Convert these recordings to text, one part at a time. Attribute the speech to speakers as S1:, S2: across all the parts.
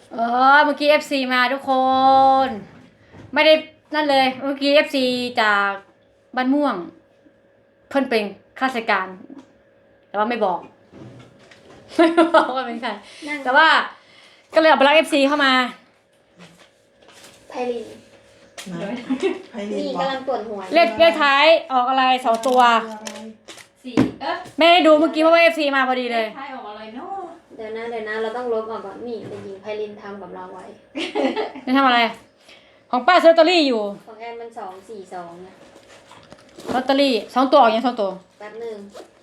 S1: เออเมื่อกี้ FC มาทุกคนไม่ได้นั่นเลยเมื่อกี้ FC จากบ้านม่วงเพิ่นเป็นข้าราชการแต่ว่าไม่บอกไม่บอกว่าเป็นใครแต่ว่าก็เลยเอาไปรัก FC เข้ามา
S2: ไพลิน
S3: ไพลิน
S2: นี่
S3: บอก
S2: กำลังปวดหัว
S1: เลขท้ายออกอะไร2 ตัว
S4: สี่
S1: แม่ได้ดูเมื่อกี้เพราะว่า FC มาพอดีเลย
S4: ท้ายออกอะไรเนาะ
S2: เดี๋ยวนะเราต้องลบออกก่อนนี่เด็กหญิงไพลินทำกับเราไว้
S1: นี่ทำอะไร ของป้าซื้อลอตเตอรี่อยู่
S2: ของแอนมัน242นะ
S1: ลอตเตอรี่2 ตัวออกยัง2 ตัว
S2: แป๊บหนึ่ง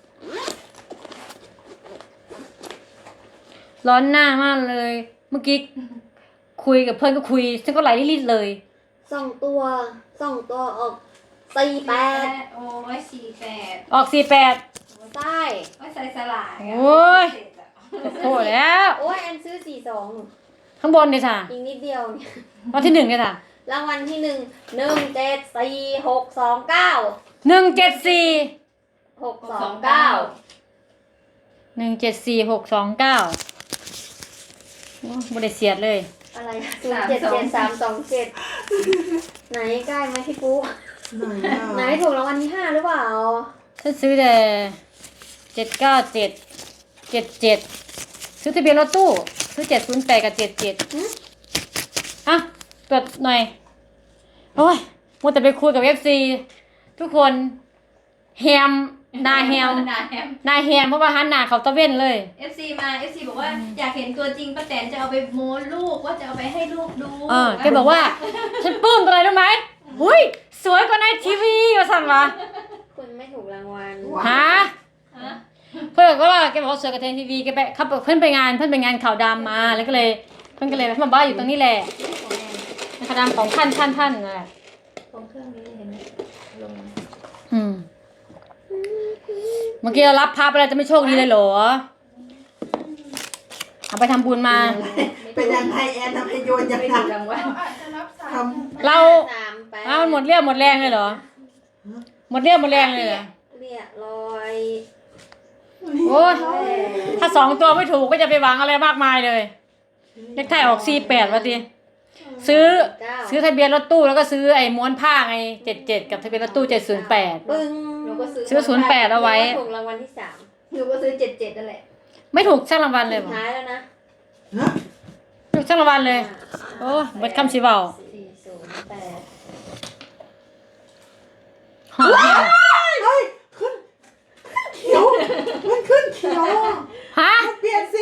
S1: ร้อนหน้ามากเลย เมื่อกี้คุยกับเพื่อนก็คุยฉันก็ไหลรีดเลย
S2: 2 ตัวออก48
S4: โอ้ย48
S1: ออก48
S2: ใช่
S4: โอ้ยใส่สลาย
S1: โอ้ย โอ้แล้ว
S2: โอ้ยแอนซื้อ
S1: ข้างบนเนี่ยจ้ะ
S2: 42อีกนิดเดียวเนี่ย
S1: รางวัลที่1เนี่ยจ้ะ
S2: รางวัลที่1 174 629
S1: 174
S2: 629
S1: 174 629โอ้บ่ได้เสียดเลย
S2: อะไร077327ไหนใกล้ไหมพี่ปุ๊ไหนถูกรางวัลที่5หรือเปล่า
S1: ฉันซื้อแต่797 77ซื้อทะเบียนรถตู้ซื้อ708กับ77อ่ะตรวจหน่อยโอ้ยมัวแต่ไปคุยกับ FC ทุกคนแฮมหน้าแฮม
S4: นาแฮม
S1: หน้าแฮมเพราะว่าหันหน้าเขาตะเว้นเลย
S4: FC มา FC บอกว่าอยากเห็นตัวจริงป้าแตนจะเอาไปโม้ลูกว่าจะเอาไปให้ลูกดู
S1: แกบอกว่า ฉันปลื้มอะไรรู้ไหมหุ้ยสวยกว่าในทีวีว่าสั่นวะ
S2: คุณไม่ถูกรางวัล
S1: ฮะ
S4: ฮะ
S1: เพื่อนก็ว่าแกบอกว่าสวยกว่าในทีวีแกไปเขาเพื่อนไปงานข่าวดำมาแล้วก็เลยเพื่อนก็เลยมาบ้านอยู่ตรงนี้แหละข่าวดำของท่านนั่นแหละ
S4: ของเครื่องนี้เห็นไหมลง
S1: เมื่อกี้เรารับพระไปแล้วจะไม่โชคดีเลยเหรอเอาไปทำบุญมา
S3: เป็นยังไงแอนทำให้โยนยัง
S4: ไม่
S3: ไง
S4: ถูกรางวัล
S3: ท
S1: เรา
S2: 38
S1: เอาหมดเรี่ยวหมดแรงเลยเหรอหมดเรี่ยวหมดแรงเลยเหรอ
S2: เรียบร้อย
S1: โอ้ยถ้า2 ตัวไม่ถูกก็จะไปหวังอะไรมากมายเลยเลขท้ายออก48วะทีซื้อทะเบียนรถตู้แล้วก็ซื้อไอ้ม้วนผ้าไง77กับทะเบียนรถตู้708
S2: ปึ้ง
S4: หนูก็ซื้อ
S1: ซื้อ08เอาไว้
S2: ถูกรางวัลที่3
S4: หนูก็ซื้อ77นั่นแหละ
S1: ไม่ถูกช่างรางวัลเลย
S2: สุ
S1: บ่
S2: ดท้ายแล้วนะ
S3: ำนะ
S1: ไม่ถูกช่างรางวัลเลย โอ้ยเบิดคำสิเว้า
S2: 408
S1: ฮะ
S3: เฮ้ยขึ้นเขียว มันขึ้นเขียวอะ
S1: ฮะ
S3: มันเปลี่ยนสี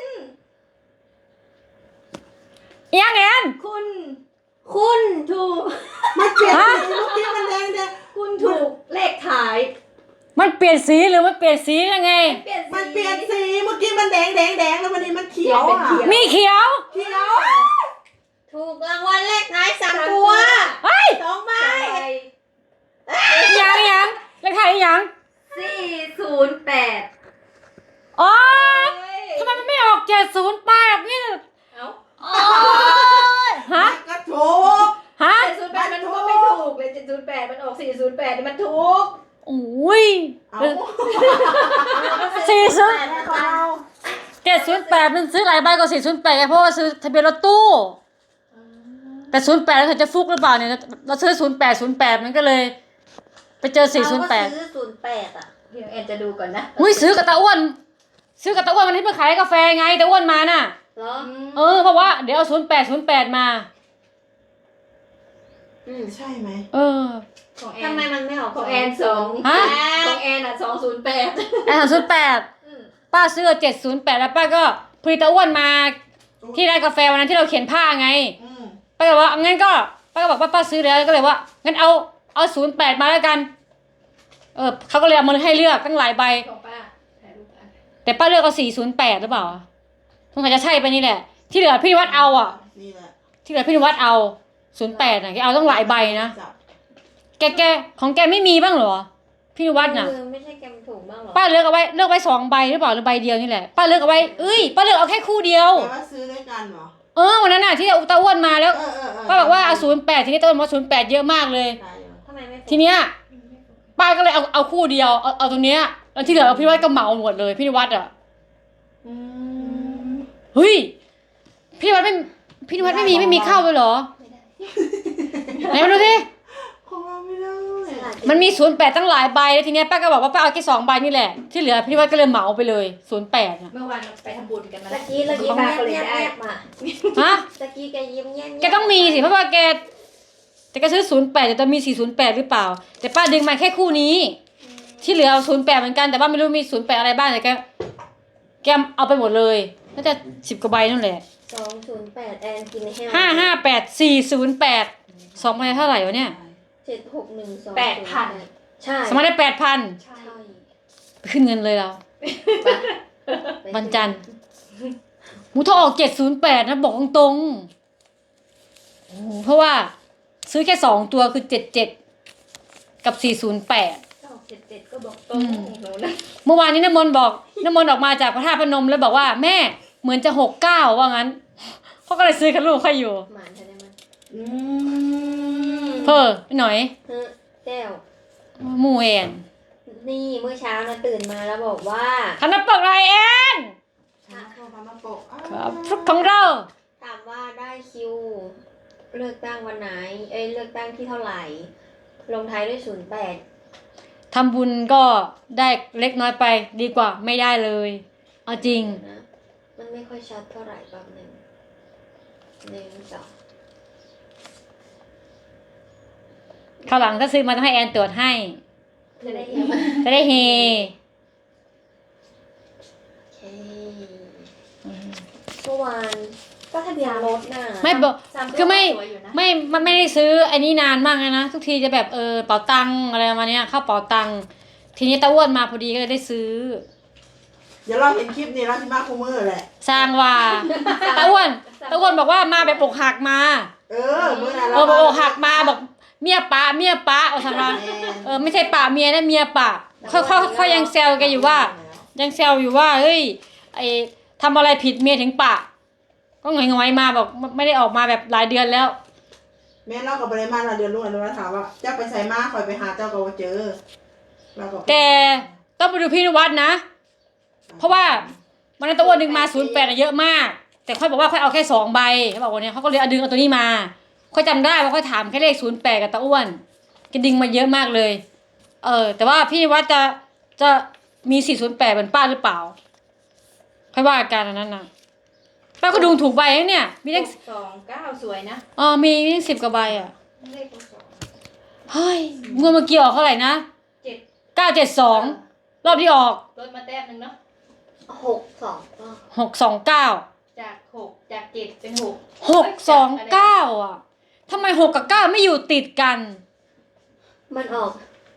S1: อีหยังเอ็น
S4: คุณถูก
S3: มันเปลี่ยนสีเมื่อกี้มันแดงแดง
S4: คุณถูกเลขท้าย
S1: มันเปลี่ยนสีหรือมันเปลี่ยนสียังไง
S4: เปลี่ยน
S3: มันเปลี่ยนสีเมื่อกี้มันแดงแล้ววันนี้มันเขียวอ่ะ
S1: มีเขียว
S3: เขียว
S2: ถูกรางวัลเลขท้าย3 ตัว
S1: เฮ้ย
S2: 2 ใบ
S1: อีหยังเลขท้ายอีหยัง
S4: 408
S1: อ๋อทำไมมันไม่ออก708นี่
S4: เอ้า
S1: โอ้ยฮะ
S3: ก็ถูก
S1: ฮะ
S4: 708มันก็ไม่ถูกเลย708มันออก408มันถูก
S1: โอ้ย
S3: เอา
S1: 708มันซื้อหลายใบกว่า408ไงเพราะว่าซื้อทะเบียนรถตู้แต่08แล้วเขาจะฟุกหรือเปล่าเนี่ยเราซื้อ08มันก็เลย ไปเจอ
S2: เราก็ซื้อ
S1: 408
S2: 08 อ่ะ
S4: เดี๋ยวแอนจะดูก่อนนะ
S1: อุ้ยซื้อกับตาอ้วนวันที่ไปขายกาแฟไงตาอ้วนมาน่ะ
S2: เหรอ
S1: เพราะว่าเดี๋ยวเอา08มา
S3: ใช่ไหม
S4: ของแอ
S2: ทำ
S4: น
S2: ไมมันไม่ออก
S4: ของแอน2
S1: ฮะ
S4: ของแอนอ่ะ208
S1: ไอ้38ป้าซื้อ708แล้วป้าก็พอดีตาอ้วนมาที่ร้านกาแฟวันนั้นที่เราเขียนผ้าไง
S3: อืม
S1: ป้าก็บอกว่างั้นก็ป้าก็บอกว่าป้าซื้อแล้วก็เลยว่างั้นเอา08มาแล้วกันเขาก็เลยเอามาให้เลือกตั้งหลายใบ
S4: ของป้าถ่ายรูปกัน
S1: แต่ป้าเลือกเอา408หรือเปล่าสงสัยจะใช่ไปนี่แหละ ที่เหลือพี่นิวัดเอาอ่ะ
S3: นี่แหละ
S1: ที่เหลือพี่นิวัดเอา08น่ะแกเอาต้องหลายใบนะ
S3: จับ
S1: แกของแกไม่มีบ้างเหรอพี่นิวัดน่ะ
S2: ไม่ใช่แกมถูกบ้างเหรอ
S1: ป้าเลือกเอาไว้2ใบหรือเปล่าหรือใบเดียวนี่แหละป้าเลือกเอาไว้ป้าเลือกเอาแค่คู่เดียว
S3: แปลว่าซื้อด้วยกันเหรอ
S1: วันนั้นน่ะที่ตาอ้วนมาแล้ว ป้าบอกว่าเอา08ทีนี้ตาอ้วนบอกว่า08เยอะมากเลย
S3: ได้เหรอ
S2: ทำไมไม่ถูก
S1: ทีเนี้ยป้าก็เลยเอาคู่เดียวเอาตรงเนี้ยแล้วที่เหลือพี่นิวัดก็เหมาหมดเลยพี่นิวัดอ่ะ
S4: อืม
S1: เฮ้ยพี่นิวัดไม่วัดไม่มีเข้าเลยเหรอไหนมาดูสิ
S3: ของเราไม่ได้
S1: มันมี08ตั้งหลายใบแล้วทีเนี้ยป้าก็บอกว่าป้าเอาแค่2ใบนี่แหละที่เหลือพี่วัดก็เลยเหมาไปเลย08อ่ะ
S4: เมื่อวานเราไปทำบุญกันมา
S2: ตะกี้เรายิ้มแย้มๆมา
S1: ฮะ
S2: ตะกี้แกยิ้มแย้มๆ
S1: แกต้องมีสิเพราะว่าแกแต่แกซื้อ08แต่จะมี408หรือเปล่าแต่ป้าดึงมาแค่คู่นี้ที่เหลือเอา08เหมือนกันแต่ว่าไม่รู้มี08อะไรบ้างแต่แกเอาไปหมดเลยน่าจะ10กว่าใบนั่นแหละ
S2: 208แอนกินให้
S1: 558408 2ใบเท่าไหร่วะเนี่ย
S2: 7612 ใช่
S1: สมัครได้ 8,000
S2: ใช่
S1: ไปขึ้นเงินเลยเราวันจันทร์หมูทอออก708นะบอกตรงๆโอ้โหเพราะว่าซื้อแค่2ตัวคือ77กับ408
S4: 7ก็บอกตรงหนูนะ
S1: เมื่อวานนี้น้ำมนต์ออกมาจากพระธาตุพนมแล้วบอกว่าแม่เหมือนจะ69ว่างั้นเขาก็เลยซื้อกับลูกเขาอยู่
S2: หมานใช่ไหมมัน
S3: อืม
S1: เพ้อไปหน่อย
S2: เฮ้แก้ว
S1: หมู่แอน
S2: นี่เมื่อเช้านะตื่นมาแล้วบอกว่า
S1: ทำน้ำปกไรแอน
S3: ฉันเข้ามามาปก
S1: ครับฟลุกของเรา
S2: ถามว่าได้คิว เลือกตั้งวันไหน เลือกตั้งที่เท่าไหร่ ลงท้ายด้วย08
S1: ทำบุญก็ได้เล็กน้อยไปดีกว่าไม่ได้เลยเอาจริง
S2: นะมันไม่ค่อยชัดเท่าไหร่แบบหนึ่ง2
S1: คราวหลังถ้าซื้อมาต้องให้แอนตรวจให้
S2: จะได้เห็นไหม
S1: จะได้เฮ
S2: โอเคเมื่อวานก็ทะเบียนรถน่ะ
S1: ไม่บอก คือไม่
S4: สวยอยู่นะ
S1: มันไม่ได้ซื้ออันนี้นานมากเลยนะทุกทีจะแบบเป๋าตังอะไรประมาณเนี้ยเข้าเป๋าตังทีนี้ตาอ้วนมาพอดีก็เลยได้ซื้อ
S3: เดี๋ยวเราเห็นคลิปนี้เราที่มาคูมือแหละ
S1: สร้างว่าตาอ้วนบอกว่ามาแบบอกหักมา
S3: มื่อนั้น
S1: อกหักมาบอกเมียป้าเอาทำมาไม่ใช่ป้าเมียนะเมียป้าเขายังแซวแกอยู่ว่า ยังแซวอยู่ว่าเฮ้ยไอทำอะไรผิดเมียถึงปะก็หงอยๆมาบอกไม่ได้ออกมาแบบหลายเดือนแล้ว
S3: แม่เรากับไปเลยมาเราเดือนลุงอนุรักษ์ถามว่าเจ้าไปใส่มาคอยไปหาเจ้าก็เจอเราก็
S1: แต่ต้องไปดูพี่นวัดนะ เพราะว่ามันนั้นตะอ้วนดึงมา08เยอะมาก แต่ค่อยบอกว่าค่อยเอาแค่2ใบเขาบอกว่าเนี่ยเขาก็เลยเอาดึงเอาตัวนี้มาค่อยจำได้ว่าค่อยถามแค่เลข08กับตะอ้วนก็ดึงมาเยอะมากเลยแต่ว่าพี่นวัดจะมี408เหมือนป้าหรือเปล่าค่อยว่ากันอันนั้นนะป้าก็ดูถูกใบนะเนี่ยมีเลข
S4: 29สวยนะ
S1: มีเลข10กว่าใบอ่ะ
S4: เลขสอง
S1: เฮ้ยเมื่อกี้ออกเท่าไหร่นะ
S4: 7
S1: 972รอบที่ออก
S4: ลดมาแต้มหนึ่งเนาะ
S2: 629
S4: จาก6จาก7เป็น6
S1: 629อ่ะทำไม6กับ9ไม่อยู่ติดกัน
S2: มันออก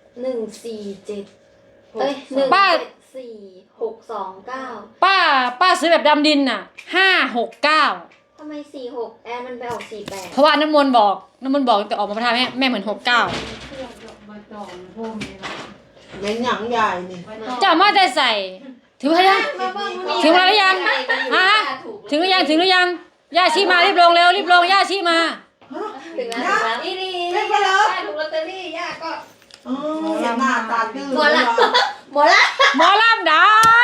S2: 147
S1: ป้า
S2: 174 629
S1: ป้าซื้อแบบดำดินน่ะ569
S2: ทำไม46แอนมันไปออก48
S1: เพราะว่าน้ำมนต์บอกแต่ออกมาประทานแม่เหมือน69
S3: ยังหยังใหญ่นี่
S1: เจ้ามาแต่ใส่ถึงแล้วถึงแล้วหรือยังฮะถึงหรือยังย่าชีมารีบลงย่าชีมา
S2: ถึงแล้ว
S4: นี่
S3: ไม่ไปแล้ว
S4: ย่าถูกลอตเตอรี่ย่าก็
S3: เห็นหน้าตาตื้อ
S2: หมดละ
S1: หมอลำได้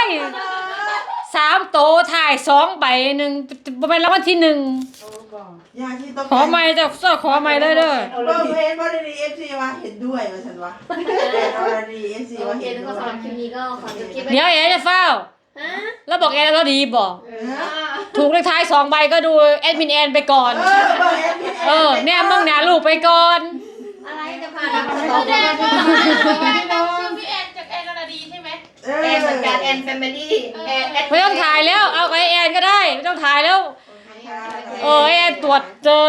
S1: 3โตถ่าย2ใบ1เป็นรางวัลที่1
S3: ยาที่ต้อง
S1: ขอไม้เจ้าขอไม้เลยเด้อ
S3: เบอร์เพจบริดีเอฟซีว่าเห็นด้วยว่าฉันว่าบริดีเอฟซี
S2: โอ
S3: ว่า
S2: เค
S3: เห็น
S2: ทุก
S3: ด้
S2: คน
S3: วย
S2: สำหรับคลิปนี้ก็ขอจบคลิปไว้
S1: เดี๋ยวแอร์จะเฝ้า
S2: ฮะ
S1: แล้วบอกแอร์แล้วดีบอก
S4: อ่า
S1: ถูกเลขท้าย2ใบก็ดูแอดมินแอนไปก่อน
S3: เบอร์เอฟซี
S1: แน่มึงหนาลูกไปก่อน
S2: อะไรจะผ่านมาสอง
S4: แอน
S2: คน
S4: ชื่อพี่แอนจากแอนนาดีใช่ไหมแอนเหมือนกันแอนแฟมิลี่แอน
S1: ไม่ต้องถ่ายแล้วเอาไอ้แอนก็ได้ไม่ต้องถ่ายแล้วแอนตรวจเจอ